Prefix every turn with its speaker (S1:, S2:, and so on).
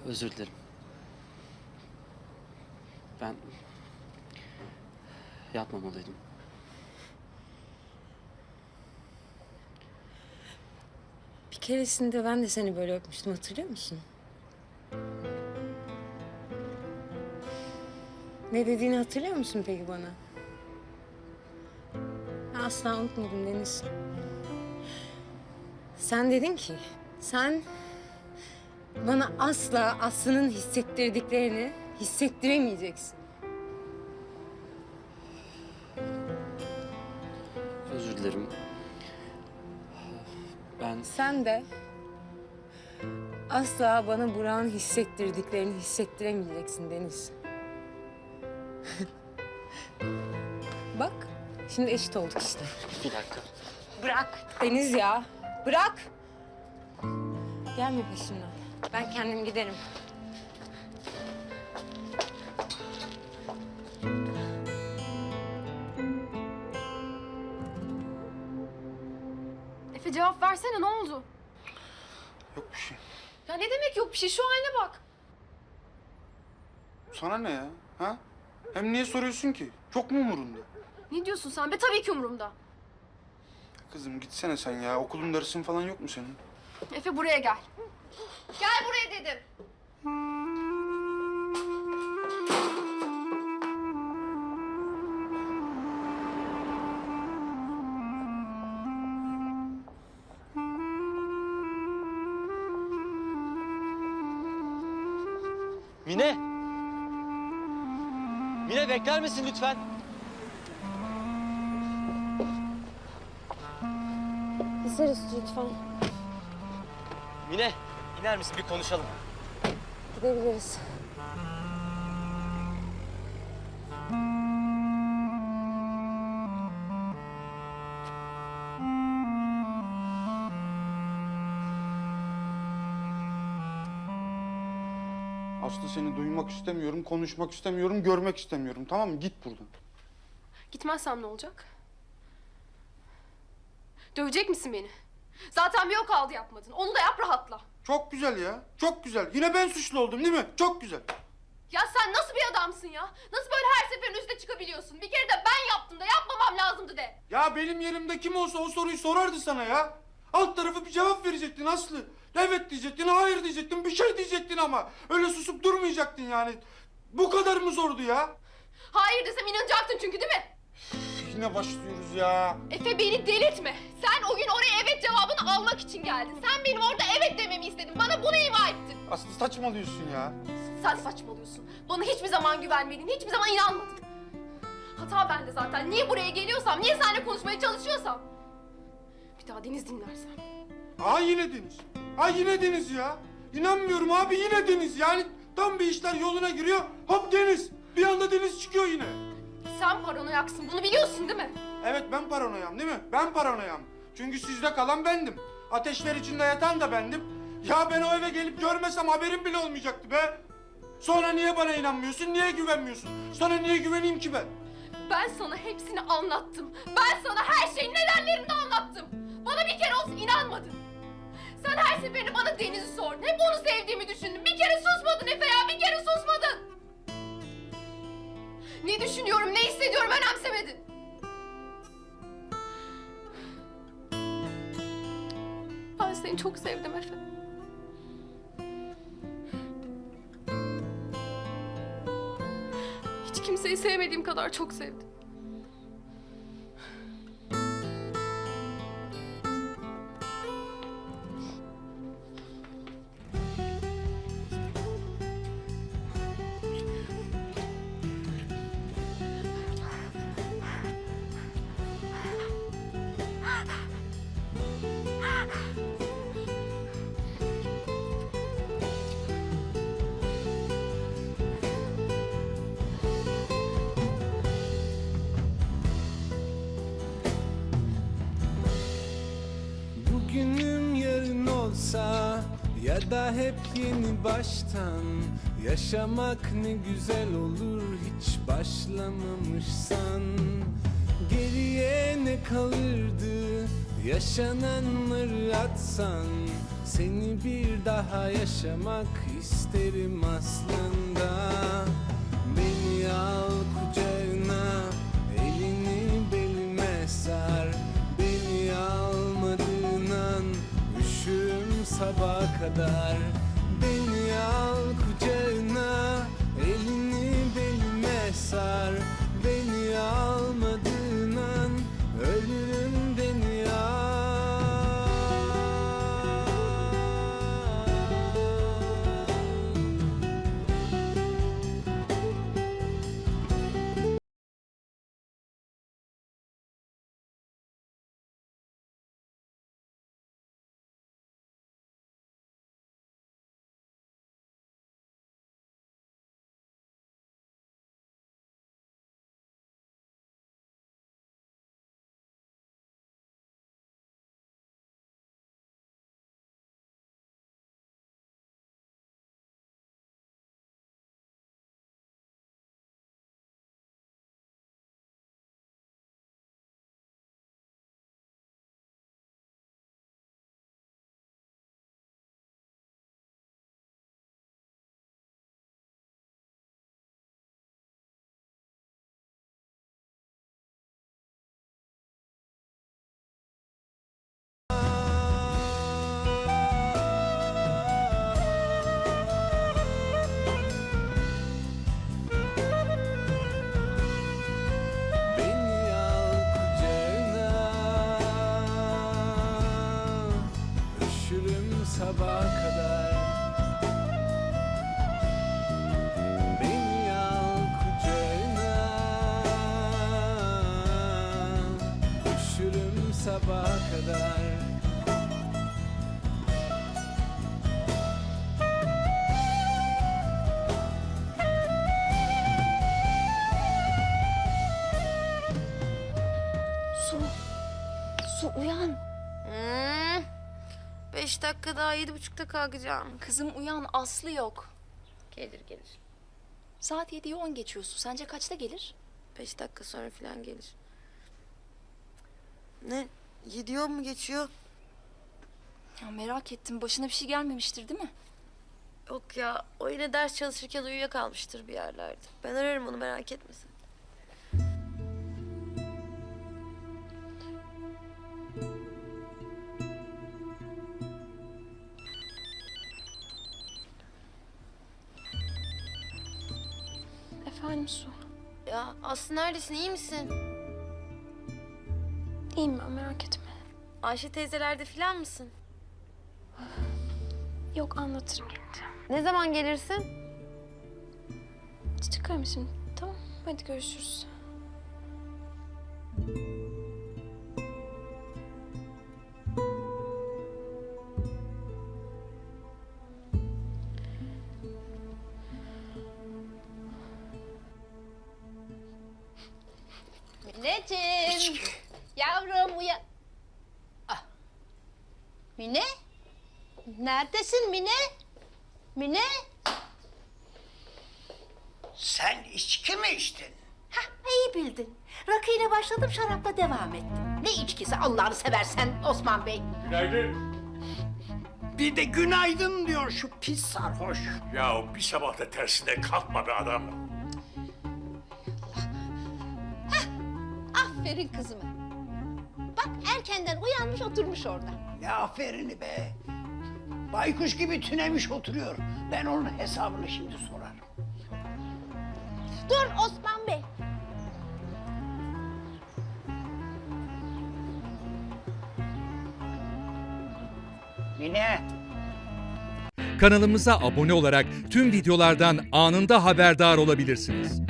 S1: Özür dilerim. Ben yapmamalıydım.
S2: Bir keresinde ben de seni böyle öpmüştüm, hatırlıyor musun? Ne dediğini hatırlıyor musun peki bana? Ben asla unutmadım Deniz. Sen dedin ki, sen bana asla Aslı'nın hissettirdiklerini hissettiremeyeceksin.
S1: Özür dilerim. Ben
S2: Sen de asla bana Burak'ın hissettirdiklerini hissettiremeyeceksin Deniz. Bak, şimdi eşit olduk işte.
S1: bir dakika.
S2: Bırak Deniz ya, bırak. Gelme peşimden. Ben kendim giderim.
S3: Efe cevap versene, ne oldu?
S4: Yok bir şey.
S3: Ya ne demek yok bir şey, şu haline bak.
S4: Sana ne ya? Ha? Hem niye soruyorsun ki? Çok mu umurunda?
S3: Ne diyorsun sen be? Tabii ki umurumda.
S4: Kızım gitsene sen ya. Okulun dersin falan yok mu senin?
S3: Efe buraya gel. Gel buraya dedim.
S5: Mine! Mine bekler misin lütfen?
S2: Gideriz lütfen.
S5: Mine, iner misin? Bir konuşalım.
S2: Gidebiliriz.
S4: Aslı seni duymak istemiyorum, konuşmak istemiyorum, görmek istemiyorum. Tamam mı? Git buradan.
S3: Gitmezsem ne olacak? Dövecek misin beni? Zaten bir o kaldı yapmadın. Onu da yap, rahatla.
S4: Çok güzel ya. Çok güzel. Yine ben suçlu oldum değil mi? Çok güzel.
S3: Ya sen nasıl bir adamsın ya? Nasıl böyle her seferin üstüne çıkabiliyorsun? Bir kere de ben yaptım da yapmamam lazımdı de.
S4: Ya benim yerimde kim olsa o soruyu sorardı sana ya. Alt tarafı bir cevap verecektin Aslı. Evet diyecektin, hayır diyecektin, bir şey diyecektin ama. Öyle susup durmayacaktın yani. Bu kadar mı zordu ya?
S3: Hayır desem inanacaktın çünkü değil mi?
S4: Yine başlıyoruz ya.
S3: Efe beni delirtme. Sen o gün oraya evet cevabını almak için geldin. Sen benim orada evet dememi istedin. Bana bunu ima ettin.
S4: Aslı saçmalıyorsun ya.
S3: Sen saçmalıyorsun. Bana hiçbir zaman güvenmedin, hiçbir zaman inanmadın. Hata bende zaten. Niye buraya geliyorsam, niye seninle konuşmaya çalışıyorsam. Bir daha Deniz dinlersen.
S4: Aa yine Deniz. Aa yine Deniz ya. İnanmıyorum abi yine Deniz. Yani tam bir işler yoluna giriyor. Hop Deniz. Bir anda Deniz çıkıyor yine.
S3: Sen paranoyaksın, bunu biliyorsun değil mi?
S4: Evet ben paranoyam değil mi? Ben paranoyam. Çünkü sizde kalan bendim. Ateşler içinde yatan da bendim. Ya ben o eve gelip görmesem haberim bile olmayacaktı be. Sonra niye bana inanmıyorsun? Niye güvenmiyorsun? Sana niye güveneyim ki ben?
S3: Ben sana hepsini anlattım. Ben sana her şeyin nedenlerini de anlattım. Bana bir kere olsun inanmadın. Sen her seferinde bana Deniz'i sordun. Hep onu sevdiğimi düşündün. Bir kere susmadın Efe ya, bir kere susmadın. Ne düşünüyorum, ne hissediyorum önemsemedin. Ben seni çok sevdim Efe. Hiç kimseyi sevmediğim kadar çok sevdim.
S6: Bugünüm yarın olsa ya da hep yeni baştan yaşamak ne güzel olur hiç başlamamışsan. Geriye ne kalırdı Yaşananları atsan seni bir daha yaşamak isterim aslında. Beni al kucağına, elini belime sar. Beni almadığın an üşürüm sabaha kadar. Beni al kucağına, elini belime sar. Beni almadığın an ölürüm, beni al. Beni al kucağına, üşürüm sabaha kadar. Beni al kucağına, üşürüm sabaha kadar.
S2: Su uyan. 5 dakika daha 7.30'da kalkacağım.
S3: Kızım uyan, Aslı yok.
S2: Gelir gelir.
S3: Saat 7'yi 10 geçiyorsun. Sence kaçta gelir?
S2: 5 dakika sonra falan gelir. Ne? 7 mu geçiyor?
S3: Ya merak ettim. Başına bir şey gelmemiştir değil mi?
S2: Yok ya, o yine ders çalışırken uyuyakalmıştır bir yerlerde. Ben ararım onu, merak etmesin.
S3: Efendim Su.
S2: Ya Aslı neredesin, iyi misin?
S3: İyiyim ben, merak etme.
S2: Ayşe teyzelerde falan mısın?
S3: Yok, anlatırım gelince.
S2: Ne zaman gelirsin?
S3: Çıkarım şimdi. Tamam, hadi görüşürüz.
S7: Mineciğim. Yavrum uyan. Ah. Mine? Neredesin Mine? Mine?
S8: Sen içki mi içtin?
S7: Hah, iyi bildin. Rakıyla başladım, şarapla devam ettim. Ne içkisi Allah'ını seversen Osman Bey?
S8: Bir de günaydın diyor şu pis sarhoş.
S9: Ya bir sabah da tersine kalkma be adam.
S7: Aferin kızıma. Bak erkenden uyanmış oturmuş orada.
S8: Ne aferini be. Baykuş gibi tünemiş oturuyor. Ben onun hesabını şimdi sorarım.
S7: Dur Osman Bey.
S8: Mine.
S10: Kanalımıza abone olarak tüm videolardan anında haberdar olabilirsiniz.